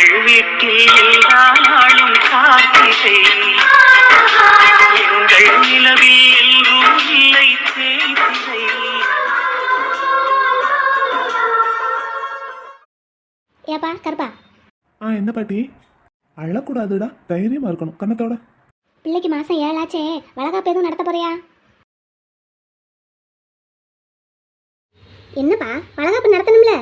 எங்கள் வீட்டில் எல்லா நாளும் காத்திரை, எங்கள் நிலவில் எல்லோரும் இல்லை தேய்திரை. ஏப்பா கருப்பா. என்ன பாட்டி? அழக்கூடாதுடா, தைரியமா இருக்கணும் கண்ணத்தோட. பிள்ளைக்கு மாசம் 7 ஆச்சே, வளகாப்பு எதுவும் நடத்த போறியா? என்னப்பா வளகாப்பு நடத்தணும்ல?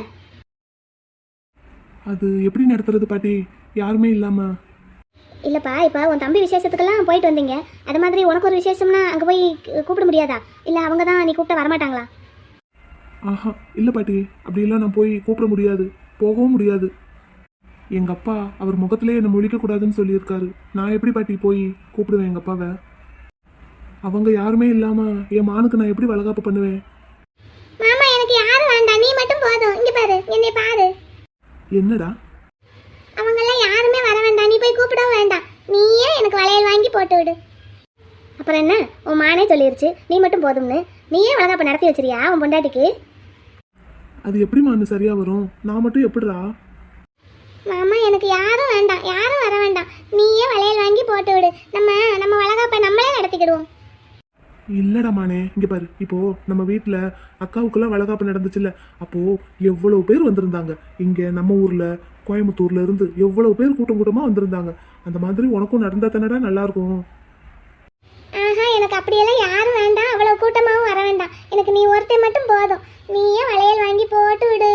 அது எப்படி நடத்துறது பாட்டி, யாருமே இல்லாம? இல்லப்பா, இப்போ உன் தம்பி விசேஷத்துக்கெல்லாம் போயிட்டு வந்தீங்க, அது மாதிரி உனக்கு ஒரு விசேஷம்னா அங்கே போய் கூப்பிட முடியாதா? இல்லை அவங்க தான் நீ கூப்பிட்ட வரமாட்டாங்களா? ஆஹா இல்லை பாட்டி, அப்படிலாம் நான் போய் கூப்பிட முடியாது, போகவும் முடியாது. எங்கள் அப்பா அவர் முகத்திலே என்னை முழிக்கக்கூடாதுன்னு சொல்லியிருக்காரு. நான் எப்படி பாட்டி போய் கூப்பிடுவேன் எங்கள் அப்பாவை? அவங்க யாருமே இல்லாமல் என் மானுக்கு நான் எப்படி வளகாப்பு பண்ணுவேன்? மாமா எனக்கு யாரும் வேண்டாம், நீ மட்டும் போதும். இங்கே பாரு, என்னை பாரு. என்னடா? அவங்கெல்லாம் யாருமே வர வேண்டாம், நீ போய் கூப்பிடவும் வேண்டாம். நீயே எனக்கு வளையல் வாங்கி போட்டு விடு. அப்புறம் என்ன, உன் மானே சொல்லிருச்சு நீ மட்டும் போதும்னு. நீயே வளகாப்பு நடத்தி வச்சிருக்கியா உன் பொண்டாட்டிக்கு? அது எப்படி மானு சரியா வரும்? நான் மட்டும் எப்படிடா? மாமா எனக்கு யாரும் வேண்டாம், யாரும் வர வேண்டாம். நீயே வளையல் வாங்கி போட்டு விடு. நம்ம வளகாப்பை நம்மளே நடத்திக்கிடுவோம். இல்லடா மானே, இங்க பாரு, இப்போ நம்ம வீட்டுல அக்காவுக்கெல்லாம் வளகாப்பு நடந்துச்சுல்ல, அப்போ எவ்வளவு பேர் வந்திருந்தாங்க. இங்க நம்ம ஊர்ல கோயம்புத்தூர்ல இருந்து எவ்வளவு பேர் கூட்டம் கூட்டமா வந்திருந்தாங்க. அந்த மாதிரி உனக்கும் நடந்தா தானடா நல்லா இருக்கும். ஆஹா, எனக்கு அப்படியெல்லாம் யாரும் வேண்டாம், அவ்வளவு கூட்டமாவும் வர வேண்டாம். எனக்கு நீ ஒருத்தன் மட்டும் போதும். நீயே வளையல் வாங்கி போட்டு விடு.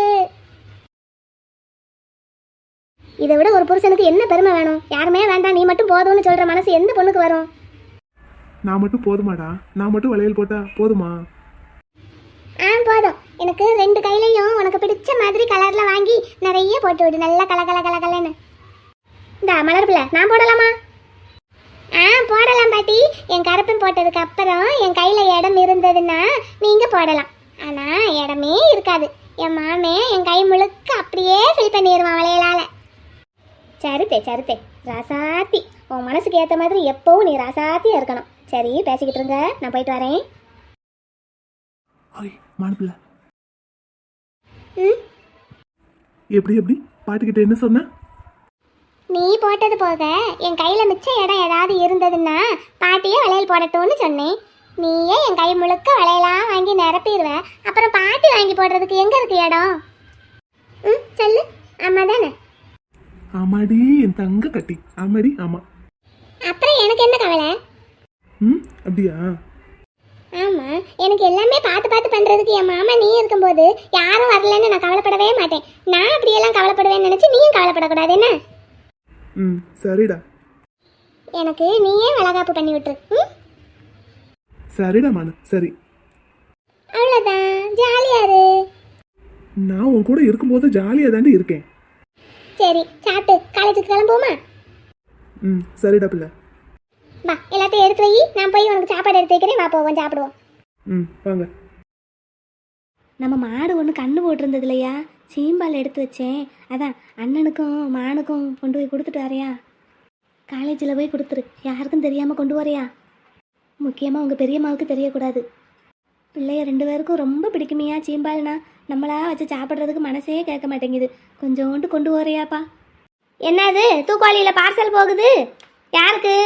இதை விட ஒரு புருஷனுக்கு என்ன பெருமை வேணும்? யாருமே வேண்டாம், நீ மட்டும் போதும்னு சொல்ற மனசு எந்த பொண்ணுக்கு வரும்? நான் மட்டும் போதுமாடா? நான் மட்டும் வளையல் போட்டா போதுமா? போதும். எனக்கு 2 கையிலையும் உனக்கு பிடிச்ச மாதிரி கலர்ல வாங்கி நிறைய போட்டு விடு. நல்லா கலன்னு. இந்த மலர் பிள்ளை நான் போடலாமா? போடலாம் பாட்டி. என் கருப்பன் போட்டதுக்கு அப்புறம் என் கையில இடம் இருந்ததுன்னா நீங்க போடலாம். ஆனா இடமே இருக்காது. என் மாமே என் கை முழுக்க அப்படியே ஃபில் பண்ணிடுவான் வளையலால. சரித்தே ராசாத்தி, உன் மனசுக்கு ஏற்ற மாதிரி எப்பவும் நீ ராசாத்தியா இருக்கணும். சரி, பேசிக்கிட்டு இருங்க, நான் போயிட்டு வரேன். எப்படி பாட்டுக்கிட்ட என்ன சொன்ன? நீ போட்டது போக என் கையில மிச்ச இடம் ஏதாவது இருந்ததுன்னா பாட்டியே வளையல் போடட்டும்னு சொன்னேன். நீயே என் கை முழுக்க வளையலாம் வாங்கி நிரப்பிடுவ. அப்புறம் பாட்டி வாங்கி போடுறதுக்கு எங்க இருக்கு இடம்? சொல்லு. ஆமா தானே? ஆமாடி என் தங்க கட்டி, ஆமாடி ஆமா. அப்புறம் எனக்கு என்ன கவலை? அப்படியா? ஆமா, எனக்கு எல்லாமே பார்த்து பண்றதுக்கு என் மாமா நீ இருக்கும்போது யாரும் வரலன்னு நான் கவலைப்படவே மாட்டேன். நான் அப்படியெல்லாம் கவலைப்படுவேன்னு நினைச்சு நீயும் கவலைப்படக்கூடாது என்ன? சரிடா. எனக்கு நீயே வளகாப்பு பண்ணி விட்டுரு. சரிடா மானு, சரி. அவ்வளவுதான், ஜாலியா இரு. நான் உன் கூட இருக்கும்போது ஜாலியா தாண்டி இருக்கேன். சரி, சாப்பிட்டு காலேஜுக்கு கிளம்புவோமா? சரிடா பிள்ளை. வா, எல்லாத்தையும் எடுத்து வை, நான் போய் உனக்கு சாப்பாடு எடுத்து வைக்கிறேன். வா போவோம், சாப்பிடுவோம். வாங்க. நம்ம மாடு ஒன்று கண்ணு போட்டிருந்தது இல்லையா, சீம்பால் எடுத்து வச்சேன். அதான் அண்ணனுக்கும் மானுக்கும் கொண்டு போய் கொடுத்துட்டு வரையா? காலேஜில் போய் கொடுத்துரு, யாருக்கும் தெரியாமல் கொண்டு வரையா? முக்கியமாக உங்கள் பெரியம்மாவுக்கு தெரியக்கூடாது. பிள்ளைய 2 பேருக்கும் ரொம்ப பிடிக்குமையா சீம்பால்னா. நம்மளா வச்சு சாப்பிட்றதுக்கு மனசே கேட்க மாட்டேங்குது. கொஞ்சோண்டு கொண்டு வரையாப்பா. என்னது தூக்குவாளியில் பார்சல் போகுது? யாருக்கு?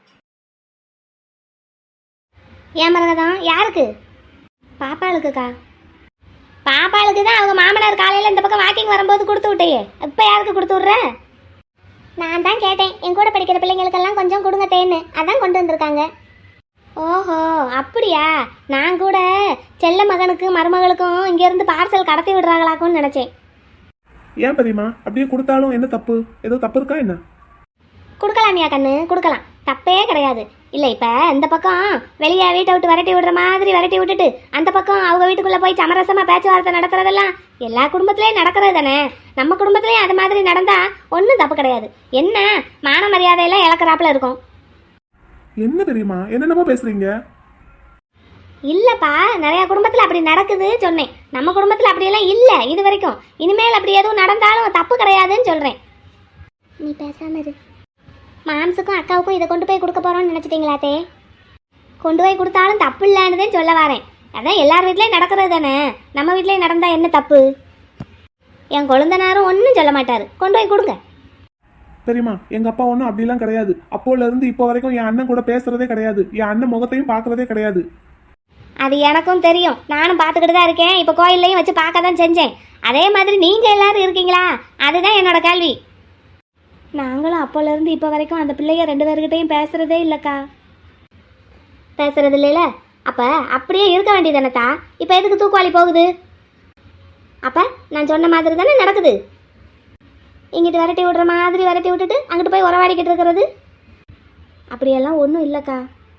ஏன் மரகதான், யாருக்கு? பாப்பாளுக்குக்கா. பாப்பாளுக்கு தான் அவங்க மாமனார் காலையில் இந்த பக்கம் வாக்கிங் வரும்போது கொடுத்து விட்டையே. இப்போ யாருக்கு கொடுத்து விட்ற? நான் தான் கேட்டேன், என் கூட படிக்கிற பிள்ளைங்களுக்கெல்லாம் கொஞ்சம் கொடுங்க தேன்னு. அதான் கொண்டு வந்திருக்காங்க. ஓஹோ அப்படியா? நான் கூட செல்ல மகனுக்கும் மருமகளுக்கும் இங்கேருந்து பார்சல் கடத்தி விடுறாங்களாக்கும்னு நினச்சேன். ஏன் பெரியம்மா அப்படியே கொடுத்தாலும் என்ன தப்பு? ஏதோ தப்பு இருக்கா என்ன? கொடுக்கலாமியா கண்ணு, கொடுக்கலாம், தப்பே கிடையாது. இல்லை, இப்போ இந்த பக்கம் வெளியே வீட்டை விட்டு விரட்டி விடுற மாதிரி விரட்டி விட்டுட்டு அந்த பக்கம் அவங்க வீட்டுக்குள்ளே போய் சமரசமாக பேச்சுவார்த்தை நடக்கிறதெல்லாம் எல்லா குடும்பத்துலேயும் நடக்கிறது தானே. நம்ம குடும்பத்துலேயும் அது மாதிரி நடந்தால் ஒன்றும் தப்பு கிடையாது. என்ன மான மரியாதையெல்லாம் இழக்கிறாப்புல இருக்கும். என்ன பெரியம்மா என்னென்னமோ பேசுறீங்க? இல்லைப்பா, நிறையா குடும்பத்தில் அப்படி நடக்குது சொன்னேன். நம்ம குடும்பத்தில் அப்படியெல்லாம் இல்லை இது வரைக்கும். இனிமேல் அப்படி எதுவும் நடந்தாலும் தப்பு கிடையாதுன்னு சொல்கிறேன். நீ பேசாம இரு. மாம்சுக்கும் அக்காவுக்கும் இதை கொண்டு போய் கொடுக்க போகிறோன்னு நினச்சிட்டிங்களாத்தே? கொண்டு போய் கொடுத்தாலும் தப்பு இல்லைன்னு சொல்ல வரேன். அதான் எல்லார் வீட்லேயும் நடக்கிறது தானே. நம்ம வீட்லேயும் நடந்தால் என்ன தப்பு? என் கொழுந்தனாரும் ஒன்றும் சொல்ல மாட்டார். கொண்டு போய் கொடுங்க. தெரியுமா? எங்க அப்பா ஒன்றும் அப்படிலாம் கிடையாது. அப்போல இருந்து இப்போ வரைக்கும் என் அண்ணன் கூட பேசுறதே கிடையாது. என் அண்ணன் முகத்தையும் பார்க்கறதே கிடையாது. அது எனக்கும் தெரியும், நானும் பார்த்துக்கிட்டு தான் இருக்கேன். இப்போ கோயில்லையும் வச்சு பார்க்க தான் செஞ்சேன். அதே மாதிரி நீங்கள் எல்லாரும் இருக்கீங்களா? அதுதான் என்னோட கேள்வி. நாங்களும் அப்போலேருந்து இப்போ வரைக்கும் அந்த பிள்ளைய 2 பேர்கிட்டையும் பேசுகிறதே இல்லைக்கா. பேசுறது இல்லைல்ல? அப்போ அப்படியே இருக்க வேண்டியதானத்தா? இப்போ எதுக்கு தூக்குவாளி போகுது? அப்போ நான் சொன்ன மாதிரி தானே நடக்குது. இங்கிட்டு விரட்டி விடுற மாதிரி விரட்டி விட்டுட்டு அங்கிட்டு போய் உறவாடிக்கிட்டு இருக்கிறது. அப்படியெல்லாம் ஒன்றும் இல்லைக்கா.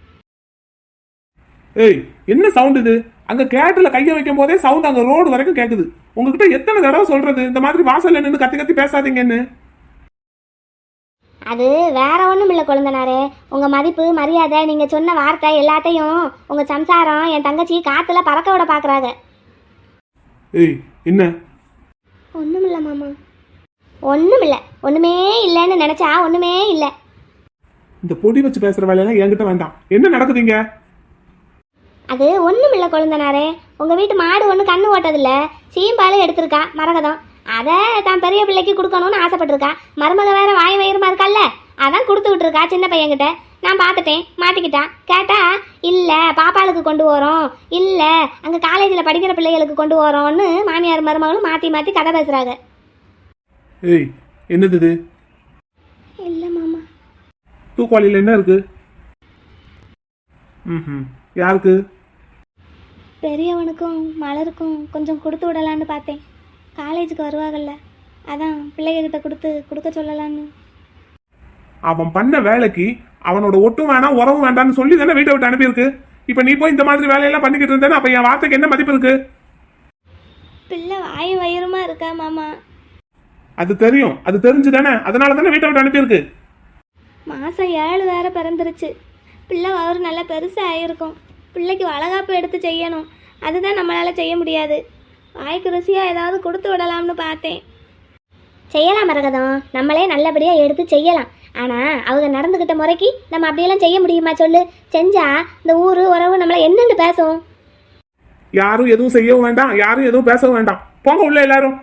ஏய், என்ன சவுண்ட் இது? அங்க கேட்டுல கைய வைக்கும் போதே சவுண்ட் அங்க ரோடு வரைக்கும் கேக்குது. உங்ககிட்ட எத்தனை தடவை சொல்றது இந்த மாதிரி வாசல்ல நின்று கத்தி கத்தி பேசாதீங்கன்னு? அது வேற ஒன்றும் இல்லை குழந்தனாரே. உங்கள் மதிப்பு மரியாதை நீங்கள் சொன்ன வார்த்தை எல்லாத்தையும் உங்கள் சம்சாரம் என் தங்கச்சி காற்றுல பறக்க விட பார்க்குறாங்க. ஏய், என்ன? ஒன்றும் இல்லை மாமா, ஒன்றும் இல்லை. ஒன்றுமே இல்லைன்னு நினச்சா ஒன்றுமே இல்லை. இந்த பொடி வச்சு பேசுற வேலையெல்லாம் என்கிட்ட வேண்டாம். என்ன நடக்குதுங்க? அது ஒன்றும் இல்லை குழந்தனாரே. உங்கள் வீட்டு மாடு ஒன்று கண்ணு ஓட்டதில்ல, சீம்பால் எடுத்திருக்கா மரகதம். அதை தான் பெரிய பிள்ளைக்கு கொடுக்கணும்னு ஆசைப்பட்டிருக்கா. மருமக வேற வாய் வயிறுமா இருக்கல்ல, அதான் கொடுத்துக்கிட்டு இருக்கா சின்ன பையன்கிட்ட. நான் பார்த்துட்டேன், மாட்டிக்கிட்டான். கேட்டா இல்லை பாப்பாளுக்கு கொண்டு வரோம், இல்லை அங்கே காலேஜில் படிக்கிற பிள்ளைகளுக்கு கொண்டு வரோன்னு மாமியார் மருமகளும் மாற்றி மாற்றி கதை பேசுகிறாங்க. ஏய், என்னது இது? இல்லை மாமா. தூக்குவாளியில் என்ன இருக்கு? ம், யாருக்கு? பெரியவனுக்கும் மலருக்கும் கொஞ்சம் கொடுத்து விடலான்னு பார்த்தேன். காலேஜுக்கு வருவாங்கல்ல, அதான் பிள்ளைகிட்ட கொடுக்க சொல்லலான்னு. அவன் பண்ண வேலைக்கு அவனோட ஒட்டும் வேணாம் உறவும் வேண்டாம்னு சொல்லி தானே வீட்டை விட்டு அனுப்பியிருக்கு. இப்ப நீ போய் இந்த மாதிரி வேலையெல்லாம் பண்ணிக்கிட்டு இருந்தேன்னா அப்ப என் வார்த்தைக்கு என்ன மதிப்பு இருக்கு? பிள்ளை வாயும் வயிறுமா இருக்கா மாமா. அது தெரியும், அது தெரிஞ்சு தானே, அதனால தானே வீட்டை விட்டு அனுப்பியிருக்கு. மாதம் 7 வேற பிறந்துருச்சு. பிள்ளை வயிறு நல்லா பெருசாக ஆகிருக்கும். பிள்ளைக்கு வளகாப்பு எடுத்து செய்யணும், அதுதான் நம்மளால் செய்ய முடியாது. வாய்க்கு ருசியாக ஏதாவது கொடுத்து விடலாம்னு பார்த்தேன். செய்யலாம் மரகதம், நம்மளே நல்லபடியாக எடுத்து செய்யலாம். ஆனால் அவங்க நடந்துக்கிட்ட முறைக்கு நம்ம அப்படியெல்லாம் செய்ய முடியுமா சொல்லு? செஞ்சா இந்த ஊர் உறவு நம்மளை என்னென்னு பேசும். யாரும் எதுவும் செய்யவும் வேண்டாம், யாரும் எதுவும் பேசவும் வேண்டாம். போங்க உள்ள எல்லாரும்.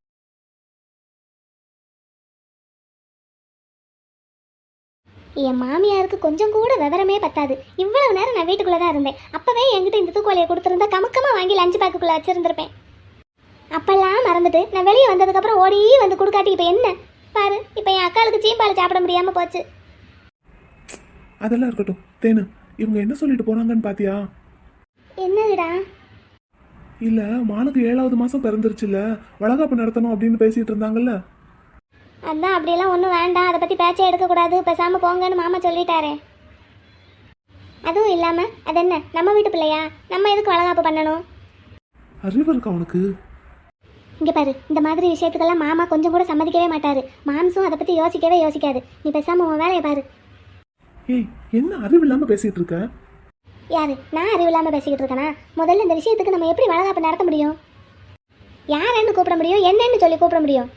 என் மாமியாருக்கு கொஞ்சம் கூட விவரமே பத்தாது. இவ்வளவு நேரம் நான் வீட்டுக்குள்ளே தான் இருந்தேன். அப்போவே என்கிட்ட இந்த தூக்குவாளியை கொடுத்துருந்தா கமக்கமாக வாங்கி லஞ்சு பேக்குக்குள்ளே வச்சுருந்துருப்பேன். அப்பெல்லாம் மறந்துட்டு நான் வெளியே வந்ததுக்கப்புறம் ஓடி வந்து கொடுக்காட்டி இப்போ என்ன பாரு. இப்போ என் அக்காளுக்கு சீம்பால் சாப்பிட முடியாமல் போச்சு. அதெல்லாம் இருக்கட்டும் தேனு, இவங்க என்ன சொல்லிட்டு போறாங்கன்னு பாத்தியா? என்னதுடா? இல்ல, மானுக்கு 7வது மாசம் பிறந்துருச்சுல்ல, வளகாப்பு நடத்தணும் அப்படின்னு பேசிட்டு இருந்தாங்கல்ல. அதான் அப்படியெல்லாம் ஒன்றும் வேண்டாம், அதை பற்றி பேச்சே எடுக்கக்கூடாது, பேசாமல் போங்கன்னு மாமா சொல்லிட்டாரே. அதுவும் இல்லாமல் அது என்ன நம்ம வீட்டு பிள்ளையா, நம்ம எதுக்கு வளகாப்பு பண்ணணும்? அறிவு இருக்கா உனக்கு? இங்கே பாரு, இந்த மாதிரி விஷயத்துக்கெல்லாம் மாமா கொஞ்சம் கூட சம்மதிக்கவே மாட்டாரு. மாம்சும் அதை பற்றி யோசிக்கவே யோசிக்காது. நீ பேசாமல் உன் வேலையை பாரு. ஏய், என்ன அறிவு இல்லாம பேசிட்டு இருக்க? யாரு? நான் அறிவு இல்லாமல் பேசிக்கிட்டு இருக்கேனா? முதல்ல இந்த விஷயத்துக்கு நம்ம எப்படி வளகாப்பு நடத்த முடியும்? யாருன்னு கூப்பிட முடியும், என்னன்னு சொல்லி கூப்பிட முடியும்?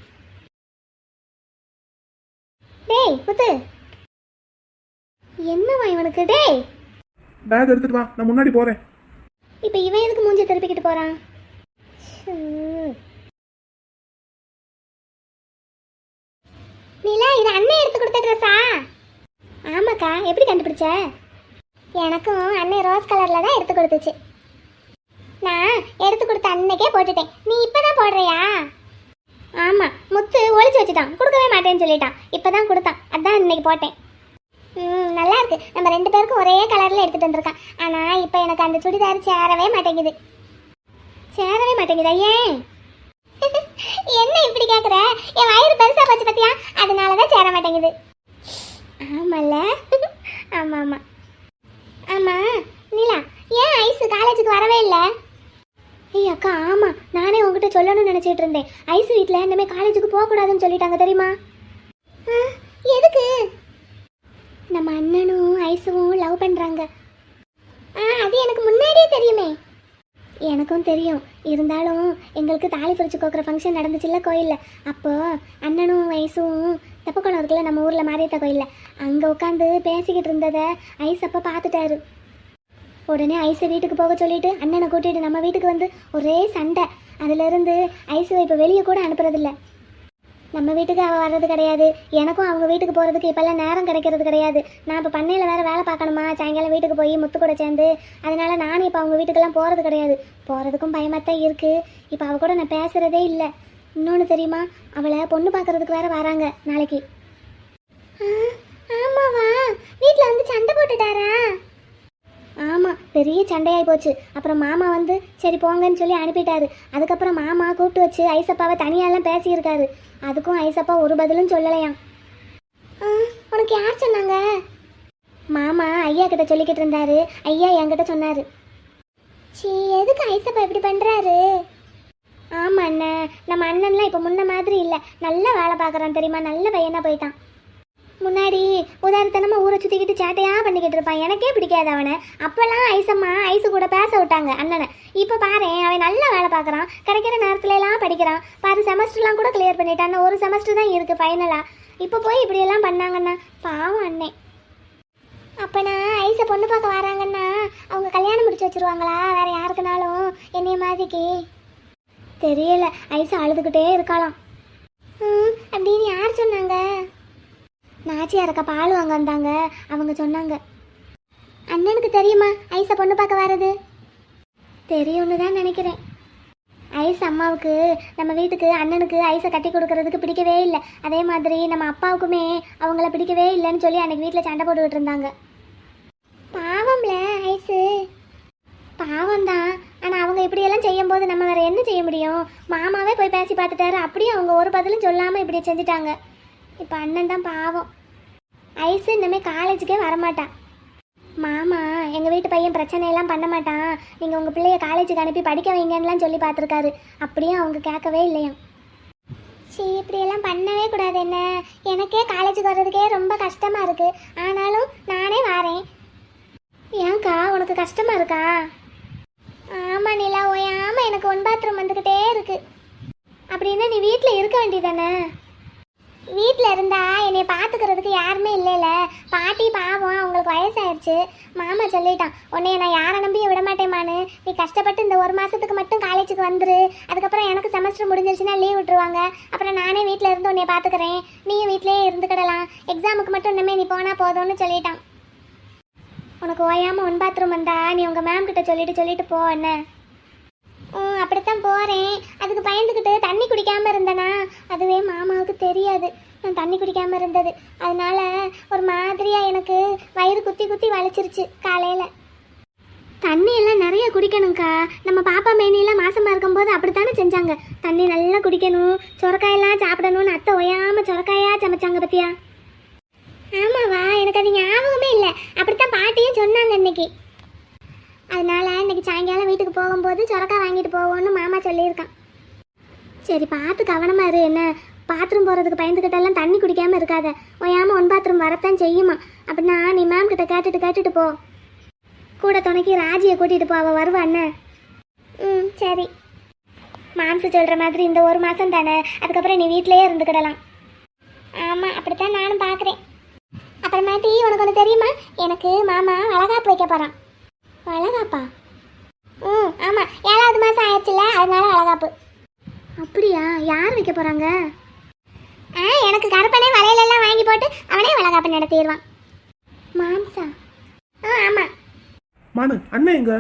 டேய் முத்து, என்னவா இவனுக்கு? டேய் பேக் எடுத்துட்டு வா, நான் முன்னாடி போறேன். இப்போ இவன் எதுக்கு மூஞ்சி திருப்பிக்கிட்டு போறான்? நீலா, இது அண்ணன் எடுத்து கொடுத்த ட்ரெஸ்ஸா? ஆமாக்கா, எப்படி கண்டுபிடிச்ச? எனக்கும் அண்ணன் ரோஸ் கலர்ல தான் எடுத்து கொடுத்துச்சு. நான் எடுத்து கொடுத்த அன்னைக்கே போட்டுட்டேன். நீ இப்பதான் போடுறியா? ஆமா, முத்து ஒளிச்சு வச்சுட்டான், கொடுக்கவே மாட்டேன்னு சொல்லிட்டான். இப்பதான் கொடுத்தான், அதான் இன்னைக்கு போட்டேன். நல்லா இருக்கு. நம்ம 2 பேருக்கும் ஒரே கலர்ல எடுத்துட்டு வந்திருக்கான். ஆனா இப்போ எனக்கு அந்த சுடிதார் சேரவே மாட்டேங்குது. சேரவே மாட்டேங்குதா? ஏன்? என்ன இப்படி கேக்குற? என் வயிறு பெருசா போச்சு பத்தியா, அதனாலதான் சேர மாட்டேங்குது. ஆமால. ஆமா ஆமா ஆமா. நீலா, ஏன் ஐஸ் காலேஜுக்கு வரவே இல்லை? ஏய் அக்கா, ஆமா, நானே உங்ககிட்ட சொல்லணும்னு நினைச்சிட்டு இருந்தேன். ஐஸ் வீட்டில் இனிமே காலேஜுக்கு போகக்கூடாதுன்னு சொல்லிட்டாங்க தெரியுமா? எதுக்கு? நம்ம அண்ணனும் ஐஸும் லவ் பண்ணுறாங்க. அது எனக்கு முன்னாடியே தெரியுமே. எனக்கும் தெரியும், இருந்தாலும் எங்களுக்கு தாலி பிரிச்சு கோக்குற ஃபங்க்ஷன் நடந்துச்சுல்ல கோயிலில். அப்போது அண்ணனும் ஐஸும் தெப்பக்குளம் இருக்குல்ல நம்ம ஊரில் மாரியத்த கோயிலில், அங்கே உட்காந்து பேசிக்கிட்டு இருந்ததை ஐஸ் அப்போ பார்த்துட்டாரு. உடனே ஐஸை வீட்டுக்கு போக சொல்லிட்டு அண்ணனை கூட்டிகிட்டு நம்ம வீட்டுக்கு வந்து ஒரே சண்டை. அதுலேருந்து ஐஸை இப்போ வெளியே கூட அனுப்புறதில்ல. நம்ம வீட்டுக்கு அவள் வர்றது கிடையாது, எனக்கும் அவங்க வீட்டுக்கு போகிறதுக்கு இப்போல்லாம் நேரம் கிடைக்கிறது கிடையாது. நான் இப்போ பண்ணையில் வேறு வேலை பார்க்கணுமா, சாயங்காலம் வீட்டுக்கு போய் முத்து கூட சேர்ந்து. அதனால நானும் இப்போ அவங்க வீட்டுக்கெல்லாம் போகிறது கிடையாது. போகிறதுக்கும் பயமாக தான் இருக்குது. இப்போ அவள் கூட நான் பேசுகிறதே இல்லை. இன்னொன்று தெரியுமா, அவளை பொண்ணு பார்க்குறதுக்கு வேறு வராங்க நாளைக்கு. ஆமாவா? வீட்டில் வந்து சண்டை போட்டுட்டாரா? ஆமாம், பெரிய சண்டையாகி போச்சு. அப்புறம் மாமா வந்து சரி போங்கன்னு சொல்லி அனுப்பிட்டாரு. அதுக்கப்புறம் மாமா கூப்பிட்டு வச்சு ஐசப்பாவை தனியாலாம் பேசியிருக்காரு. அதுக்கும் ஐசப்பா ஒரு பதிலும் சொல்லலையாம். உனக்கு யார் சொன்னாங்க? மாமா ஐயா கிட்ட சொல்லிக்கிட்டு இருந்தாரு. ஐயா என்கிட்ட சொன்னாரு. சீ, எதுக்கு ஐசப்பா இப்படி பண்ணுறாரு? ஆமாம் அண்ணன், நம்ம அண்ணன்லாம் இப்போ முன்ன மாதிரி இல்லை. நல்லா வேலை பார்க்குறான் தெரியுமா, நல்ல பையனாக போயிட்டான். முன்னாடி உதாரணத்தனமாக ஊரை சுற்றிக்கிட்டு சேட்டையாக பண்ணிக்கிட்டு இருப்பான், எனக்கே பிடிக்காது அவனை. அப்போல்லாம் ஐசம்மா ஐசு கூட பேச விட்டாங்க அண்ணனை. இப்போ பாரு, அவன் நல்லா வேலை பார்க்குறான், கிடைக்கிற நேரத்துலலாம் படிக்கிறான். பாரு, செமஸ்டர்லாம் கூட கிளியர் பண்ணிட்டான். ஒரு செமஸ்டர் தான் இருக்குது ஃபைனலாக. இப்போ போய் இப்படியெல்லாம் பண்ணாங்கண்ணா, பாவம் அண்ணே. அப்போனா ஐசை பொண்ணு பார்க்க வராங்கன்னா அவங்க கல்யாணம் முடிச்சு வச்சுருவாங்களா வேறு யாருக்குனாலும் என்னைய மாதிரிக்கு? தெரியல, ஐசை அழுதுகிட்டே இருக்கலாம். அப்படின்னு யார் சொன்னாங்க? நாச்சியாரக்கா பால் வாங்க வந்தாங்க, அவங்க சொன்னாங்க. அண்ணனுக்கு தெரியுமா ஐசை பொண்ணு பார்க்க வர்றது? தெரியும்னு தான் நினைக்கிறேன். ஐஸ் அம்மாவுக்கு நம்ம வீட்டுக்கு அண்ணனுக்கு ஐஸை கட்டி கொடுக்கறதுக்கு பிடிக்கவே இல்லை. அதே மாதிரி நம்ம அப்பாவுக்குமே அவங்கள பிடிக்கவே இல்லைன்னு சொல்லி அன்னைக்கு வீட்டில் சண்டை போட்டுக்கிட்டு இருந்தாங்க. பாவம்ல ஐஸு. பாவம்தான், ஆனால் அவங்க இப்படியெல்லாம் செய்யும்போது நம்ம வேறு என்ன செய்ய முடியும்? மாமாவே போய் பேசி பார்த்துட்டாரு, அப்படியே அவங்க ஒரு பதிலும் சொல்லாமல் இப்படி செஞ்சுட்டாங்க. இப்போ அண்ணன் தான் பாவம். ஐஸு இனிமேல் காலேஜுக்கே வரமாட்டான். மாமா எங்கள் வீட்டு பையன் பிரச்சனையெல்லாம் பண்ண மாட்டான், நீங்கள் உங்கள் பிள்ளைய காலேஜுக்கு அனுப்பி படிக்க வைங்கன்னுலாம் சொல்லி பார்த்துருக்காரு. அப்படியே அவங்க கேட்கவே இல்லையா. சரி, இப்படியெல்லாம் பண்ணவே கூடாது. என்ன, எனக்கே காலேஜுக்கு வர்றதுக்கே ரொம்ப கஷ்டமாக இருக்குது. ஆனாலும் நானே வரேன். ஏன்க்கா உனக்கு கஷ்டமாக இருக்கா? ஆமாம் நிலா, ஓயாமல் எனக்கு 1 பாத்ரூம் வந்துக்கிட்டே இருக்குது. அப்படின்னா நீ வீட்டில் இருக்க வேண்டியதானே? வீட்டில் இருந்தா என்னை பார்த்துக்கிறதுக்கு யாருமே இல்லைல்ல. பாட்டி பாவம், அவங்களுக்கு வயசாயிருச்சு. மாமா சொல்லிட்டான், உன்னைய நான் யாரை நம்பியும் விட மாட்டேமான்னு. நீ கஷ்டப்பட்டு இந்த 1 மாதத்துக்கு மட்டும் காலேஜுக்கு வந்துரு, அதுக்கப்புறம் எனக்கு செமஸ்டர் முடிஞ்சிருச்சுன்னா லீவ் விட்டுருவாங்க. அப்புறம் நானே வீட்டில் இருந்து உன்னைய பார்த்துக்கிறேன், நீயும் வீட்டிலேயே இருந்துக்கிடலாம். எக்ஸாமுக்கு மட்டும் இன்னுமே நீ போனால் போதும்னு சொல்லிட்டான். உனக்கு ஓயாமல் 1 பாத்ரூம் வந்தா நீ உங்கள் மேம் கிட்ட சொல்லிட்டு போ. என்ன? அப்படித்தான் போகிறேன். அதுக்கு பயந்துக்கிட்டு தண்ணி குடிக்காமல் இருந்தேனா, அதுவே மாமாவுக்கு தெரியாது நான் தண்ணி குடிக்காமல் இருந்தது. அதனால ஒரு மாதிரியாக எனக்கு வயிறு குத்தி குத்தி வலிச்சிருச்சு காலையில். தண்ணி எல்லாம் நிறைய குடிக்கணும்க்கா. நம்ம பாப்பா மேனியெல்லாம் மாசமாக இருக்கும்போது அப்படித்தானே செஞ்சாங்க. தண்ணி நல்லா குடிக்கணும், சுரக்காயெல்லாம் சாப்பிடணும்னு அத்தை ஒயாமல் சுரக்காயாக சமைச்சாங்க பத்தியா? ஆமாவா? எனக்கு அது ஞாபகமே இல்லை. அப்படித்தான் பாட்டியும் சொன்னாங்க இன்னைக்கு. அதனால இன்னைக்கு சாயங்காலம் வீட்டுக்கு போகும்போது சுரக்காய் வாங்கிட்டு போவோன்னு மாமா சொல்லியிருக்கான். சரி, பார்த்து கவனமாக இரு. என்ன, பாத்ரூம் போகிறதுக்கு பயந்துக்கிட்டெல்லாம் தண்ணி குடிக்காமல் இருக்காத. ஓயாமல் 1 பாத்ரூம் வரத்தான் செய்யுமா. அப்படின்னா நீ மேம் கிட்ட கேட்டுட்டு போ. கூட துணைக்கி ராஜியை கூட்டிகிட்டு போ, அவள் வருவா. என்ன? சரி. மாம்சு சொல்கிற மாதிரி இந்த 1 மாதம் தானே, அதுக்கப்புறம் நீ வீட்டிலேயே இருந்துக்கிடலாம். ஆமாம், அப்படித்தான் நானும் பார்க்குறேன். அப்புறமேட்டி உனக்கு ஒன்று தெரியுமா, எனக்கு மாமா வளகாப்பு வைக்க போகிறான். வளகாப்பா? ஆமாம், 7வது மாதம் ஆயிடுச்சுல, அதனால வளகாப்பு. அப்படியா? யார் வைக்க போகிறாங்க? எனக்கு கருப்பனே வளையலெல்லாம் வாங்கி போட்டு அவனே வளகாப்பு நடத்திடுவான். மாம்சா? ஆமாம். மானு, அண்ணன் எங்க?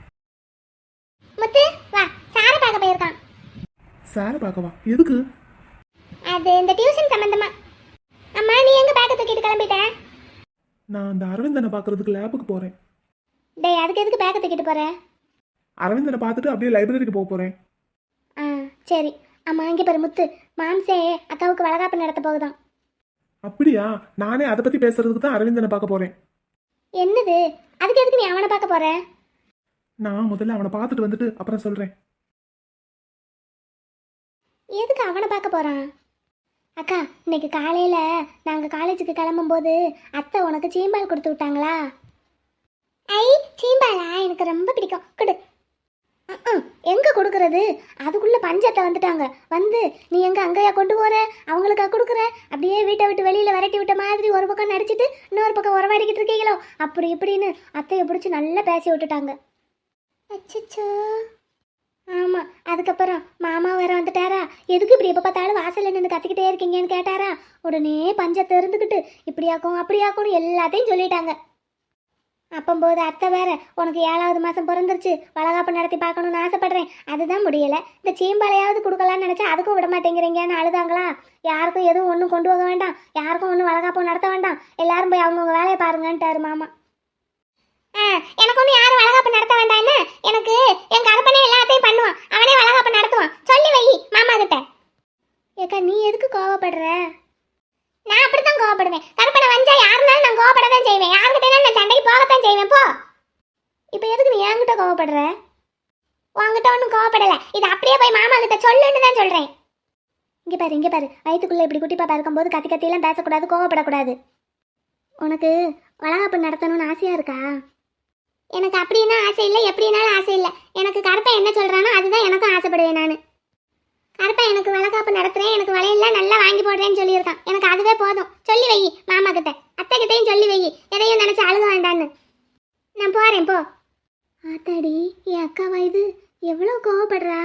முத்து வா, சாரை பார்க்க போயிருக்கான். சாரை பார்க்கவா? எதுக்கு? அது இந்த டியூஷன் சம்பந்தமா. அம்மா, நீ எங்க பேக்க தூக்கிட்டு கிளம்பிட்ட? நான் அந்த அரவிந்தனை பார்க்கறதுக்கு லேபுக்கு போகிறேன். டேய், அதுக்கு எதுக்கு பேக்க தூக்கிட்டு போற? அரவிந்தனை பார்த்துட்டு அப்படியே லைப்ரரிக்கு போக போகிறேன். சரி. அம்மா, இங்கே பாரு முத்து, மாம்சே அக்காவுக்கு வளகாப்பு நடத்த போகுதான். அப்படியா? நானே அதை பற்றி பேசுறதுக்கு தான் அரவிந்தனை பார்க்க போகிறேன். என்னது? அதுக்கு எதுக்கு நீ அவனை பார்க்க போற? நான் முதல்ல அவனை பார்த்துட்டு வந்துட்டு அப்புறம் சொல்கிறேன். எதுக்கு அவனை பார்க்க போறான்? அக்கா, இன்னைக்கு காலையில் நாங்கள் காலேஜுக்கு கிளம்பும்போது அத்தை உனக்கு சீம்பால் கொடுத்து விட்டாங்களா? ஐ, சீம்பாலா? எனக்கு ரொம்ப பிடிக்கும், கொடு. எங்கே கொடுக்கறது? அதுக்குள்ளே பஞ்சத்தை வந்துட்டாங்க. வந்து நீ எங்கே அங்கேயா கொண்டு போகிற, அவங்களுக்கா கொடுக்குற? அப்படியே வீட்டை விட்டு வெளியில் விரட்டி விட்ட மாதிரி ஒரு பக்கம் நடிச்சிட்டு இன்னொரு பக்கம் உறவாடிக்கிட்டு இருக்கீங்களோ அப்படி இப்படின்னு அத்தையை பிடிச்சி நல்லா பேசி விட்டுட்டாங்க. அச்சோ. ஆமாம், அதுக்கப்புறம் மாமா வேற வந்துட்டாரா, எதுக்கு இப்படி எப்போ பார்த்தாலும் வாசல்ல நின்று கத்திக்கிட்டே இருக்கீங்கன்னு கேட்டாரா. உடனே பஞ்சத்தை இருந்துக்கிட்டு இப்படியாக்கும் அப்படியாக்கும்னு எல்லாத்தையும் சொல்லிட்டாங்க. அப்பம்போது அத்தை வேற, உனக்கு 7வது மாதம் பிறந்துருச்சு, வளகாப்பு நடத்தி பார்க்கணும்னு ஆசைப்படுறேன், அதுதான் முடியலை. இந்த சீம்பாலையாவது கொடுக்கலான்னு நினச்சா அதுக்கும் விட மாட்டேங்கிறீங்கன்னு அழுதாங்களா. யாருக்கும் எதுவும் ஒன்றும் கொண்டு போக வேண்டாம், யாருக்கும் ஒன்றும் வளகாப்பு நடத்த வேண்டாம், எல்லாரும் போய் அவங்கவுங்க வேலையை பாருங்கன்ட்டாரு மாமா. எனக்கு ஒன்றும் யாரும் வளகாப்பு நடத்த வேண்டாம், என்ன எனக்கு என் கருப்பனே எல்லாத்தையும் பண்ணுவான், அவனே வளகாப்பு நடத்துவான், சொல்லி வை மாமா கிட்ட. ஏக்கா நீ எதுக்கு கோவப்படுற? நான் அப்படித்தான் கோவப்படுவேன். கருப்பனை வந்தா யாருனாலும் நான் கோவப்படத்தான் செய்வேன், யாருக்கிட்ட நான் சண்டைக்கு போகத்தான் செய்வேன். போ. இப்போ எதுக்கு நீ என்கிட்ட கோவப்படுற? உன்கிட்ட ஒன்றும் கோவப்படலை, இது அப்படியே போய் மாமா கிட்ட சொல்லுன்னு தான் சொல்கிறேன். இங்கே பாரு, வயிற்றுக்குள்ளே இப்படி குட்டி பாப்பா இருக்கும்போது கத்தி கத்தியெல்லாம் பேசக்கூடாது, கோவப்படக்கூடாது. உனக்கு வளகாப்பு நடத்தணும்னு ஆசையாக இருக்கா? எனக்கு அப்படின்னா ஆசை இல்லை, எப்படின்னாலும் ஆசை இல்லை. எனக்கு கருப்பன் என்ன சொல்கிறானோ அதுதான் எனக்கும் ஆசைப்படுவேன். நான் கருப்பன் எனக்கு வளகாப்பு நடத்துகிறேன், எனக்கு வளையெல்லாம் நல்லா வாங்கி போடுறேன்னு சொல்லியிருக்கான். எனக்கு அதுவே போதும், சொல்லி வை மாமா கிட்ட, அத்தை கிட்டையும் சொல்லி வை, எதையும் நினச்சி அழுக வேண்டான்னு. நான் போகிறேன், போ. ஆத்தாடி, என் அக்காவா இது? எவ்வளோ கோவப்படுறா.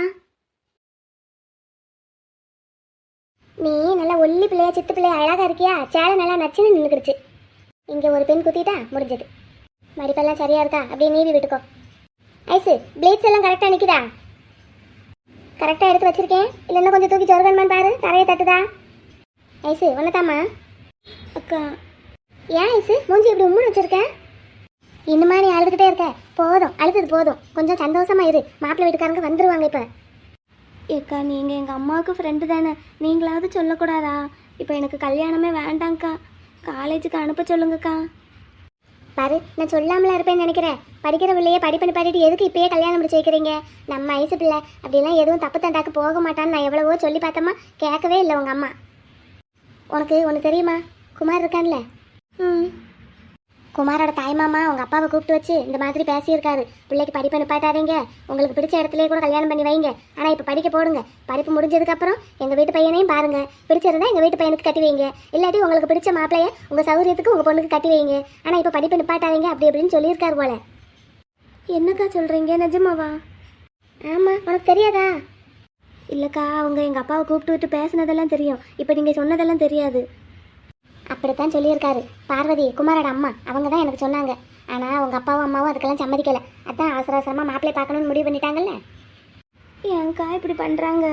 நீ நல்லா ஒல்லி பிள்ளையா சித்து பிள்ளையா அழகாக இருக்கியா, சேலை நல்லா நச்சுன்னு நின்றுக்கிடுச்சு. இங்கே ஒரு பெண் குத்திட்டா முடிஞ்சது. மடிப்பெல்லாம் சரியா இருக்கா? அப்படியே நீவி விட்டுக்கோ. ஐசு, பிளேட்ஸ் எல்லாம் கரெக்டாக நிற்குதா? கரெக்டாக எடுத்து வச்சிருக்கேன், இல்லைன்னா கொஞ்சம் தூக்கி சொருகன்மான்னு பாரு, தரையை தட்டுதா? ஐசு ஒன்னதாம்மா. அக்கா ஏன் ஐசு மூஞ்சி இப்படி உம்முன்னு வச்சிருக்கேன்? இன்னுமா நீ அழுதுகிட்டே இருக்க? போதும், அழுது போதும், கொஞ்சம் சந்தோஷமா இரு, மாப்பிள்ளை வீட்டுக்காரங்க வந்துருவாங்க. இப்போ ஏக்கா நீங்கள் எங்கள் அம்மாவுக்கு ஃப்ரெண்டு தானே, நீங்களாவது சொல்லக்கூடாதா? இப்போ எனக்கு கல்யாணமே வேண்டாங்க்கா, காலேஜுக்கு அனுப்ப சொல்லுங்கக்கா. பாரு, நான் சொல்லாமலாம் இருப்பேன்னு நினைக்கிறேன். படிக்கிற பிள்ளையே படிப்பு நிப்பாட்டிட்டு எதுக்கு இப்பயே கல்யாணம் முடிச்சு வைக்கிறீங்க? நம்ம ஐசு பிள்ளை அப்படிலாம் எதுவும் தப்பு தண்டாக்கு போக மாட்டான்னு நான் எவ்வளவோ சொல்லி பார்த்தோமா, கேட்கவே இல்லை உங்கள் அம்மா. உனக்கு ஒன்று தெரியுமா? குமார் இருக்கான்ல, குமாரோட தாய்மாமா உங்கள் அப்பாவை கூப்பிட்டு வச்சு இந்த மாதிரி பேசியிருக்காரு. பிள்ளைக்கு படிப்பை நிப்பாட்டாதீங்க, உங்களுக்கு பிடிச்ச இடத்துலேயே கூட கல்யாணம் பண்ணி வைங்க, ஆனால் இப்போ படிக்க போடுங்க. படிப்பு முடிஞ்சதுக்கப்புறம் எங்கள் வீட்டு பையனையும் பாருங்கள், பிடிச்சிருந்தா எங்கள் வீட்டு பையனுக்கு கட்டி வைங்க, இல்லாட்டி உங்களுக்கு பிடிச்ச மாப்பிள்ளைய உங்கள் சௌகரியத்துக்கு உங்கள் பொண்ணுக்கு கட்டி வைங்க, ஆனால் இப்போ படிப்பை நிப்பாட்டாதீங்க அப்படி அப்படின்னு சொல்லியிருக்காரு போல. என்னக்கா சொல்கிறீங்க, நிஜமாவா? ஆமாம், உனக்கு தெரியாதா? இல்லைக்கா, அவங்க எங்கள் அப்பாவை கூப்பிட்டு விட்டு பேசினதெல்லாம் தெரியும், இப்போ நீங்கள் சொன்னதெல்லாம் தெரியாது. அப்படித்தான் சொல்லியிருக்காரு. பார்வதி குமாரோட அம்மா அவங்க தான் எனக்கு சொன்னாங்க. ஆனால் உங்கள் அப்பாவும் அம்மாவும் அதுக்கெல்லாம் சம்மதிக்கலை. அதான் அவசர அவசரமாக மாப்பிள்ளை பார்க்கணுன்னு முடிவு பண்ணிட்டாங்கல்ல. ஏன்க்கா இப்படி பண்ணுறாங்க?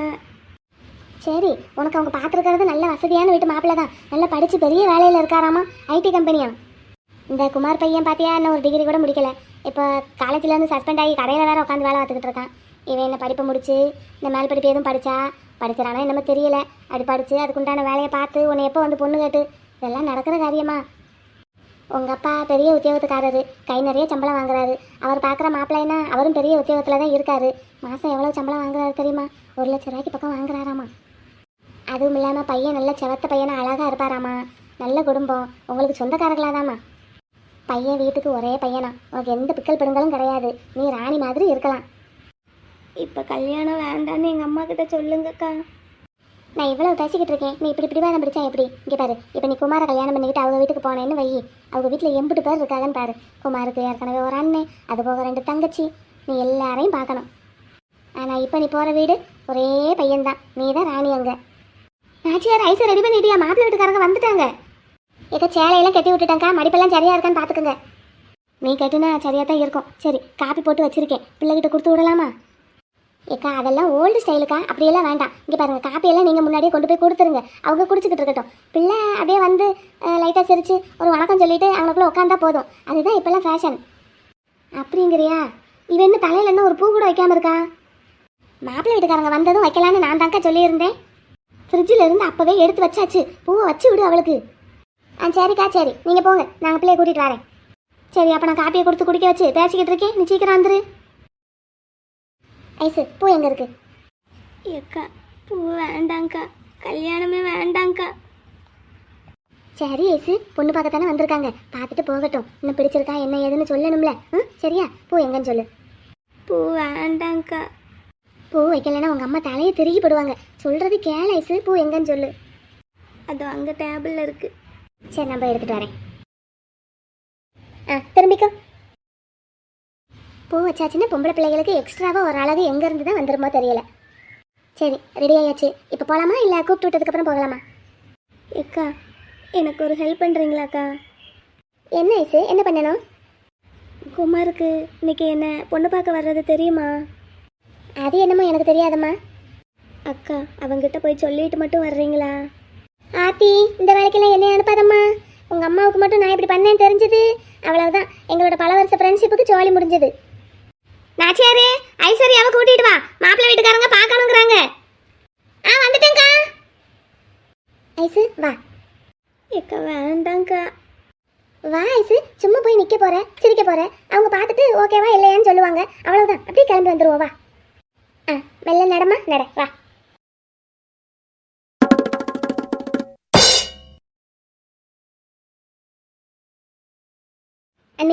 சரி, உனக்கு அவங்க பார்த்துருக்கிறது நல்ல வசதியான வீட்டு மாப்பிள்ளை தான், நல்லா படித்து பெரிய வேலையில் இருக்காராமா, ஐடி கம்பெனியா. இந்த குமார் பையன் பார்த்தியா, இன்னும் ஒரு டிகிரி கூட முடிக்கலை. இப்போ காலேஜ்லேருந்து சஸ்பெண்ட் ஆகி கடையில் வேறு உட்காந்து வேலை பார்த்துக்கிட்டு இருக்கான். இவன் என்ன படிப்பை முடிச்சு இந்த மேல் படிப்பு எதுவும் படிச்சிடறானா என்னமோ தெரியல. அப்படி படித்து அதுக்குண்டான வேலையை பார்த்து உன்னை எப்போ வந்து பொண்ணு கேட்டு, இதெல்லாம் நடக்கிற காரியமா? உங்கள் அப்பா பெரிய உத்தியோகத்துக்காரரு, கை நிறைய சம்பளம் வாங்குறாரு. அவர் பார்க்குற மாப்பிள்ளைன்னா அவரும் பெரிய உத்தியோகத்தில் தான் இருக்காரு. மாதம் எவ்வளோ சம்பளம் வாங்குறாரு தெரியுமா? 1 லட்ச ரூபாய்க்கு பக்கம் வாங்குறாராமா. அதுவும் இல்லாமல் பையன் நல்ல செவத்த பையனை அழகாக இருப்பாராமா, நல்ல குடும்பம், உங்களுக்கு சொந்தக்காரர்களாதாம்மா. பையன் வீட்டுக்கு ஒரே பையனா, உனக்கு எந்த பிக்கல் பிடுங்களும் கிடையாது, நீ ராணி மாதிரி இருக்கலாம். இப்போ கல்யாணம் வேண்டான்னு எங்கள் அம்மா கிட்ட சொல்லுங்கக்கா. நான் இவ்வளோ பேசிக்கிட்டு இருக்கேன், நீ இப்படி பிடிவாதம் பிடிச்சா எப்படி? இங்கே பாரு, இப்போ நீ குமாரை கல்யாணம் பண்ணிக்கிட்டு அவங்க வீட்டுக்கு போனேன்னு வை, அவங்க வீட்டில் 80 பேர் இருக்காங்கன்னு பாரு. குமாருக்கு ஏற்கனவே ஒரு அண்ணன், அது போக 2 தங்கச்சி, நீ எல்லாரையும் பார்க்கணும். ஆனால் இப்போ நீ போகிற வீடு ஒரே பையன்தான், நீ தான் ராணி. அங்கே நாச்சியார் ஐஸை ரெடி பண்ணிட்டியா? மாப்பிள்ளை வீட்டுக்காரங்க வந்துட்டாங்க. ஏக்கா சேலையெல்லாம் கட்டி விட்டுட்டாங்க்கா, மடிப்பெல்லாம் சரியாக இருக்கான்னு பார்த்துக்குங்க. நீ கட்டுனா சரியாக தான் இருக்கும். சரி, காப்பி போட்டு வச்சுருக்கேன், பிள்ளைகிட்ட கொடுத்து விடலாமா? ஏக்கா அதெல்லாம் ஓல்டு ஸ்டைலுக்கா, அப்படியெல்லாம் வேண்டாம். இங்கே பாருங்கள், காப்பியெல்லாம் நீங்கள் முன்னாடியே கொண்டு போய் கொடுத்துருங்க, அவங்க குடிச்சிக்கிட்டு இருக்கட்டும். பிள்ளை அப்படியே வந்து லைட்டாக சிரித்து ஒரு வணக்கம் சொல்லிவிட்டு அவங்களுக்குள்ளே உட்காந்தா போதும், அதுதான் இப்போல்லாம் ஃபேஷன். அப்படிங்கிறியா? இவன் இன்னும் தலையில் இன்னும் ஒரு பூ கூட வைக்காமல் இருக்கா? மாப்பிள்ளை வீட்டுக்காரங்க வந்ததும் வைக்கலான்னு நான் தாக்கா சொல்லியிருந்தேன். ஃப்ரிட்ஜில் இருந்து அப்போவே எடுத்து வச்சாச்சு, பூவை வச்சு விடு அவளுக்கு. சரிக்கா, சரி நீங்கள் போங்க, நாங்கள் பிள்ளைய கூட்டிகிட்டு வரேன். சரி, அப்போ நான் காப்பியை கொடுத்து குடிக்க வச்சு பேசிக்கிட்டு இருக்கேன், நீ சீக்கிரம் வந்துரு. ஐசு, பூ எங்கே இருக்கு? ஏக்கா பூ வேண்டாங்க்கா, கல்யாணமே வேண்டாங்க்கா. சரி ஐசு, பொண்ணு பார்க்கத்தானே வந்திருக்காங்க, பார்த்துட்டு போகட்டும். இன்னும் பிடிச்சிருக்கா என்ன ஏதுன்னு சொல்லணும்ல. சரியா? பூ எங்கன்னு சொல்லு. பூ வேண்டாங்க்கா. பூ வைக்கலைன்னா உங்கள் அம்மா தலையை திருகி போடுவாங்க. சொல்கிறது கேளு ஐசு, பூ எங்கன்னு சொல்லு. அது அங்கே டேபிளில் இருக்குது. சரி, நான் போய் எடுத்துகிட்டு வரேன். திரும்பிக்கோ. பூ வச்சாச்சுன்னா பொம்பளை பிள்ளைகளுக்கு எக்ஸ்ட்ராவாக ஒரு அழகு எங்கேருந்து தான் வந்துருமோ தெரியல. சரி ரெடி ஆயாச்சு. இப்போ போகலாமா இல்லை கூப்பிட்டு விட்டதுக்கப்புறம் போகலாமா? அக்கா எனக்கு ஒரு ஹெல்ப் பண்ணுறீங்களாக்கா? என்ன ஐசு, என்ன பண்ணணும்? குமாருக்கு இன்னைக்கு என்ன பொண்ணு பார்க்க வர்றது தெரியுமா? அது என்னமோ எனக்கு தெரியாதம்மா. அக்கா அவங்கிட்ட போய் சொல்லிட்டு மட்டும் வர்றீங்களா? ஆத்தி, இந்த வேலைக்கெல்லாம் என்னை அனுப்பாதம்மா. உங்கள் அம்மாவுக்கு மட்டும் நான் இப்படி பண்ணேன்னு தெரிஞ்சது அவ்வளவுதான், எங்களோட பல வருஷ ஃப்ரெண்ட்ஷிப்புக்கு சோழி முடிஞ்சது. நாச்சியாரே, ஐஸ்வர்யாவை கூட்டிட்டு வா, மாப்பிள்ளை வீட்டுக்காரங்க பார்க்கணுங்கிறாங்க. வந்துட்டேங்க்கா. ஐசு வா. ஏக்கா வேண்டாங்க்கா. வா ஐசு, சும்மா போய் நிற்க போற, சிரிக்க போற, அவங்க பார்த்துட்டு ஓகேவா இல்லையான்னு சொல்லுவாங்க, அவ்வளவுதான். அப்படியே கிளம்பி வந்துருவோம். வா. மெல்ல நடமா, நட வா. அண்ணி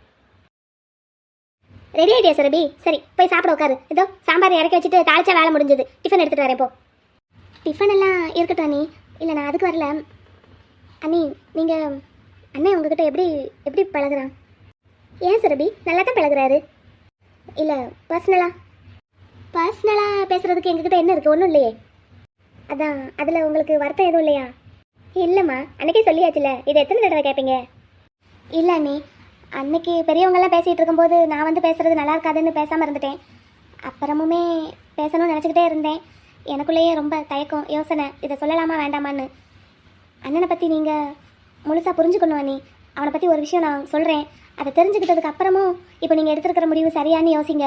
ரெடி ஆகிட்டியா சுரபி? சரி போய் சாப்பிட உட்காரு. இதோ சாம்பார் இறக்கி வச்சுட்டு தாளிச்சா வேலை முடிஞ்சது. டிஃபன் எடுத்துகிட்டு வரேன். போ. டிஃபன் எல்லாம் இருக்கட்டும் அண்ணி. இல்லை நான் அதுக்கு வரல அண்ணி. நீங்கள் அண்ணன் உங்ககிட்ட எப்படி எப்படி பழகுறான்? ஏன் சுரபி, நல்லா தான் பழகுறாரு. இல்லை பர்சனலாக பேசுகிறதுக்கு எங்ககிட்ட என்ன இருக்குது? ஒன்றும் இல்லையே. அதான் அதில் உங்களுக்கு வருத்தம் எதுவும் இல்லையா? இல்லைம்மா, அன்றைக்கே சொல்லியாச்சுல, இது எத்தனை தடவை கேட்பீங்க? இல்லை அண்ணி, அன்னைக்கு பெரியவங்கெல்லாம் பேசிகிட்டு இருக்கும்போது நான் வந்து பேசுகிறது நல்லா இருக்காதுன்னு பேசாமல் இருந்துட்டேன். அப்புறமுமே பேசணும்னு நினச்சிக்கிட்டே இருந்தேன். எனக்குள்ளேயே ரொம்ப தயக்கம், யோசனை, இதை சொல்லலாமா வேண்டாமான்னு. அண்ணனை பற்றி நீங்கள் முழுசாக புரிஞ்சுக்கணும் அண்ணி. அவனை பற்றி ஒரு விஷயம் நான் சொல்கிறேன். அதை தெரிஞ்சுக்கிட்டதுக்கு அப்புறமும் இப்போ நீங்கள் எடுத்துருக்கிற முடிவு சரியானு யோசிங்க.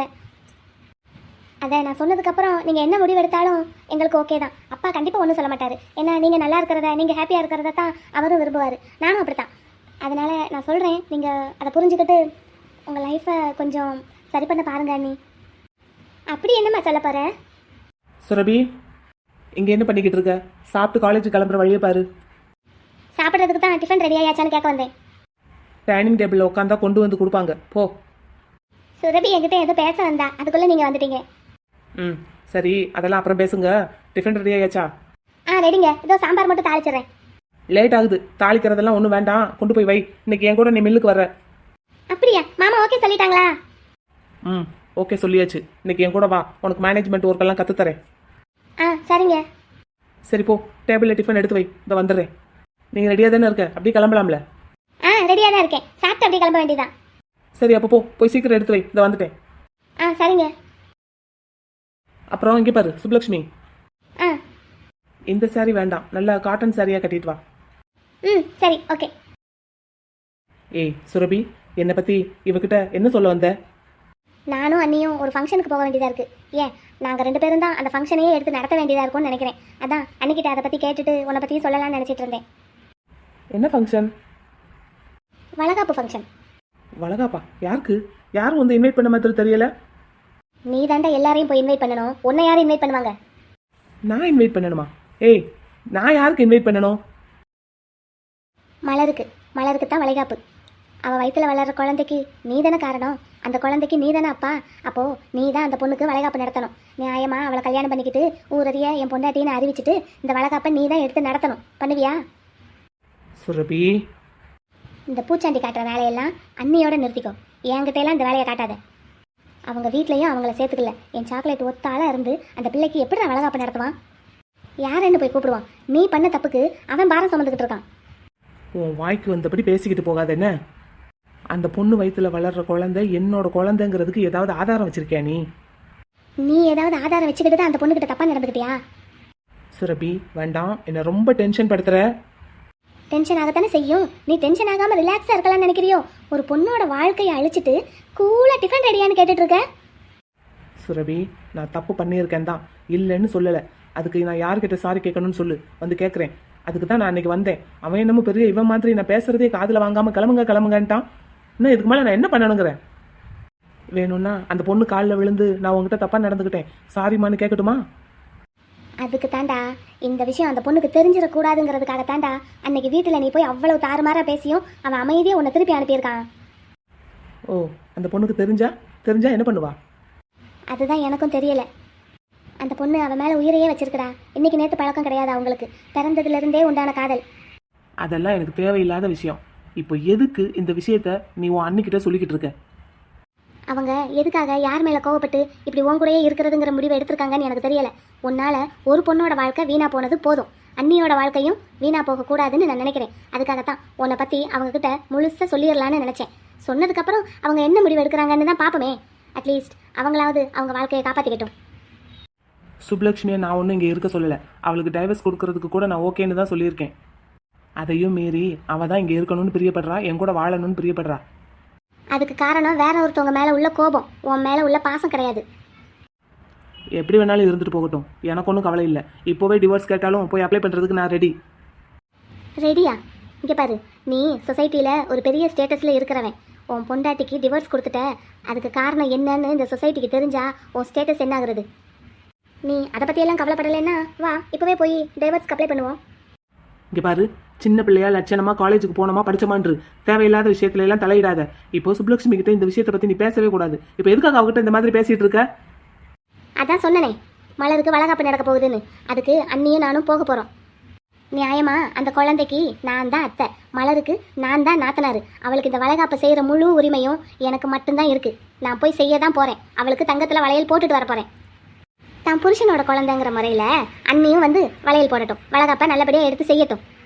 அதை நான் சொன்னதுக்கப்புறம் நீங்கள் என்ன முடிவு எடுத்தாலும் எங்களுக்கு ஓகே தான். அப்பா கண்டிப்பாக ஒன்றும் சொல்ல மாட்டார். ஏன்னா நீங்கள் நல்லா இருக்கிறத, நீங்கள் ஹாப்பியாக இருக்கிறத தான் அவரும் விரும்புவார். நானும் அப்படி தான். அதனால் நான் சொல்கிறேன், நீங்கள் அதை புரிஞ்சுக்கிட்டு உங்கள் லைஃப்பை கொஞ்சம் சரி பண்ண பாருங்க அண்ணி. அப்படி என்னம்மா சொல்ல போகிறேன்? சுரபி, இங்கே என்ன பண்ணிக்கிட்டு இருக்க? சாப்பிட்டு காலேஜ் கிளம்புற வழியை பாரு. சாப்பிட்றதுக்கு தான் டிஃபன் ரெடி ஆயாச்சான்னு கேட்க வந்தேன். டைனிங் டேபிளில் உட்காந்தா கொண்டு வந்து கொடுப்பாங்க. போ. சுரபி என்கிட்ட ஏதோ பேச வந்தா, அதுக்குள்ளே நீங்கள் வந்துட்டீங்க. சரி, அதெல்லாம் அப்புறம் பேசுங்க. டிஃபன் ரெடி ஆயாச்சா? ரெடிங்க. இதோ சாம்பார் மட்டும் தாளிச்சிடுறேன். லேட் ஆகுது. தாளிக்கிறதெல்லாம் ஒன்றும் வேண்டாம், கொண்டு போய் வை. இன்னைக்கு என் கூட நீ மில்லுக்கு வர்ற. அப்படியா? மாமா ஓகே சொல்லிட்டாங்களா? ஓகே சொல்லியாச்சு. இன்னைக்கு என் கூட வா, உனக்கு மேனேஜ்மெண்ட் ஒர்க்கெல்லாம் கற்றுத்தரேன். சரிங்க. சரி போ, டேபிளில் டிஃபன் எடுத்து வை, இதை வந்துடுறேன். நீங்கள் ரெடியாக தானே இருக்க? அப்படியே கிளம்பலாம்ல? ரெடியாக தான் இருக்கேன். சாப்பிட்டு அப்படியே கிளம்ப வேண்டியதான். சரி அப்போ போய் சீக்கிரம் எடுத்து வை, இதை வந்துட்டேன். சரிங்க. அப்புறம் இங்கே பாரு சுப்லக்ஷ்மி, இந்த சாரி வேண்டாம், நல்லா காட்டன் சாரியாக கட்டிட்டு வா. சரி ஓகே. ஏய் சுரபி, என்னை பற்றி இவகிட்ட என்ன சொல்ல வந்த? நானும் அண்ணியும் ஒரு ஃபங்க்ஷனுக்கு போக வேண்டியதாக இருக்குது. ஏன் நாங்கள் 2 பேரும் தான் அந்த ஃபங்க்ஷனையே எடுத்து நடத்த வேண்டியதாக இருக்கும்னு நினைக்கிறேன். அதான் அன்னிக்கிட்ட அதை பற்றி கேட்டுட்டு உன்னை பற்றியும் சொல்லலாம்னு நினச்சிட்டு இருந்தேன். என்ன ஃபங்க்ஷன்? வளகாப்பு ஃபங்க்ஷன். வளகாப்பா? யாருக்கு? யாரும் வந்து இன்வைட் பண்ண மாதிரி தெரியல. நீ தாண்டா எல்லாரையும் போய் இன்வைட் பண்ணணும். உன்னை யாரும் இன்வைட் பண்ணுவாங்க? நான் இன்வைட் பண்ணணுமா? ஏய், நான் யாருக்கு இன்வைட் பண்ணணும்? மலருக்கு தான் வளைகாப்பு. அவள் வயிற்றில் வளர்கிற குழந்தைக்கு நீ தானே காரணம். அந்த குழந்தைக்கு நீ தானே அப்பா. அப்போது நீ தான் அந்த பொண்ணுக்கு வளைகாப்பு நடத்தணும். நியாயமா அவளை கல்யாணம் பண்ணிக்கிட்டு ஊரறிய என் பொண்டாட்டின்னு அறிவிச்சிட்டு இந்த வளைகாப்பை நீ தான் எடுத்து நடத்தணும். பண்ணுவியா? சுரபி, இந்த பூச்சாண்டி காட்டுற வேலையெல்லாம் அண்ணியோட நிறுத்திக்கோ. என்கிட்டையெல்லாம் இந்த வேலையை காட்டாத. அவங்க வீட்லேயும் அவங்கள சேர்த்துக்கல. என் சாக்லேட் ஒத்தாளாக இருந்து அந்த பிள்ளைக்கு எப்படி நான் வளகாப்பு நடத்துவான்? யாருன்னு போய் கூப்பிடுவான்? நீ பண்ண தப்புக்கு அவன் பாரம் சுமந்துக்கிட்டு இருக்கான். உன் வாய்க்கு வந்தபடி பேசிக்கிட்டு போகாத என்ன? அந்த பொண்ணு வயிற்றுல வளர்ற குழந்தை என்னோட குழந்தைங்கிறதுக்கு ஏதாவது ஆதாரம் வச்சிருக்கியா நீ? நீ ஏதாவது ஆதாரம் வச்சுக்கிட்டு தான் அந்த பொண்ணுக்கிட்ட தப்பாக நடந்துக்கிட்டியா? சுரபி வேண்டாம், என்னை ரொம்ப டென்ஷன் படுத்துற. டென்ஷன் ஆகத்தானே செய்யும். நீ டென்ஷன் ஆகாமல் ரிலாக்ஸாக இருக்கலாம்னு நினைக்கிறியோ? ஒரு பொண்ணோட வாழ்க்கையை அழிச்சிட்டு கூலாக டிஃபன் ரெடியான்னு கேட்டுட்டு இருக்க. சுரபி, நான் தப்பு பண்ணியிருக்கேன் தான், இல்லைன்னு சொல்லலை. அதுக்கு நான் யார்கிட்ட சாரி கேட்கணும்னு சொல்லு, வந்து கேட்குறேன். அதுக்கு தான் நான் அன்றைக்கி வந்தேன். அவன் என்னமோ பெரிய இவன் மாதிரி நான் பேசுகிறதே காதில் வாங்காமல் கிளம்புங்கன்ட்டான். இன்னும் இதுக்கு மேலே நான் என்ன பண்ணணுங்கிறேன்? வேணும்னா அந்த பொண்ணு காலில் விழுந்து நான் உங்ககிட்ட தப்பாக நடந்துக்கிட்டேன், சாரிம்மான்னு கேட்கட்டுமா? அதுக்கு தாண்டா இந்த விஷயம் அந்த பொண்ணுக்கு தெரிஞ்சிடக்கூடாதுங்கிறதுக்காக தாண்டா அன்னைக்கு வீட்டில் நீ போய் அவ்வளவு தாறுமாறாக பேசியும் அவன் அமைதியாக உன்னை திருப்பி அனுப்பியிருக்கான். ஓ, அந்த பொண்ணுக்கு தெரிஞ்சா என்ன பண்ணுவா? அதுதான் எனக்கும் தெரியலை. அந்த பொண்ணு அவன் மேலே உயிரையே வச்சிருக்கடா. இன்னைக்கு நேற்று பழக்கம் கிடையாது அவங்களுக்கு. பிறந்ததுலேருந்தே உண்டான காதல். அதெல்லாம் எனக்கு தேவையில்லாத விஷயம். இப்போ எதுக்கு இந்த விஷயத்த நீ உன் அண்ணிக்கிட்ட சொல்லிக்கிட்டு இருக்க? அவங்க எதுக்காக யார் மேலே கோவப்பட்டு இப்படி உன் கூடயே இருக்கிறதுங்கிற முடிவை எடுத்திருக்காங்கன்னு எனக்கு தெரியலை. உன்னால் ஒரு பொண்ணோட வாழ்க்கை வீணாக போனது போதும், அண்ணியோட வாழ்க்கையும் வீணாக போகக்கூடாதுன்னு நான் நினைக்கிறேன். அதுக்காகத்தான் உன்னை பற்றி அவங்கக்கிட்ட முழுசாக சொல்லிடலான்னு நினச்சேன். சொன்னதுக்கப்புறம் அவங்க என்ன முடிவு எடுக்கிறாங்கன்னு தான் பார்ப்போமே. அட்லீஸ்ட் அவங்களாவது அவங்க வாழ்க்கையை காப்பாற்றிக்கட்டும். சுப்லக்ஷ்மியை நான் ஒன்றும் இங்கே இருக்க சொல்லலை. அவளுக்கு டைவர்ஸ் கொடுக்கறதுக்கு கூட நான் ஓகேன்னு தான் சொல்லியிருக்கேன். அதையும் மீறி அவள் தான் இங்கே இருக்கணும்னு பிரியப்படுறா, என் கூட வாழணும்னு பிரியப்படுறா. அதுக்கு காரணம் வேற ஒருத்தவங்க மேலே உள்ள கோபம், உன் மேலே உள்ள பாசம் கிடையாது. எப்படி வேணாலும் இருந்துட்டு போகட்டும், எனக்கு ஒன்றும் கவலை இல்லை. இப்போவே டிவோர்ஸ் கேட்டாலும் போய் அப்ளை பண்ணுறதுக்கு நான் ரெடி. ரெடியா? இங்கே பாரு, நீ சொசைட்டியில் ஒரு பெரிய ஸ்டேட்டஸில் இருக்கிறவன். உன் பொண்டாட்டிக்கு டிவோர்ஸ் கொடுத்துட்ட, அதுக்கு காரணம் என்னன்னு இந்த சொசைட்டிக்கு தெரிஞ்சா உன் ஸ்டேட்டஸ் என்ன ஆகுறது? நீ அதை பற்றியெல்லாம் கவலைப்படலைன்னா வா, இப்போவே போய் டிவோர்ஸ்க்கு அப்ளை பண்ணுவோம். இங்கே பாரு, சின்ன பிள்ளையா லட்சணமாக காலேஜுக்கு போனோமா படிச்சமான்று தேவையில்லாத விஷயத்துல எல்லாம் தலையிடாத. இப்போ சுப்லக்ஷ்மி கிட்ட இந்த விஷயத்தை பற்றி நீ பேசவே கூடாது. இப்போ எதுக்காக அவகிட்ட இந்த மாதிரி பேசிகிட்டு இருக்க? அதான் சொன்னனே, மலருக்கு வளகாப்பு நடக்க போகுதுன்னு. அதுக்கு அண்ணியும் நானும் போக போகிறோம். நியாயமா அந்த குழந்தைக்கு நான் தான் அத்தை, மலருக்கு நான் தான் நாத்தனார். அவளுக்கு இந்த வளகாப்பை செய்கிற முழு உரிமையும் எனக்கு மட்டும்தான் இருக்குது. நான் போய் செய்ய தான் போகிறேன். அவளுக்கு தங்கத்தில் வளையல் போட்டுட்டு வர போகிறேன். தான் புருஷனோட குழந்தைங்கிற முறையில் அண்ணியும் வந்து வளையல் போடட்டும், வளகாப்பை நல்லபடியாக எடுத்து செய்யட்டும்.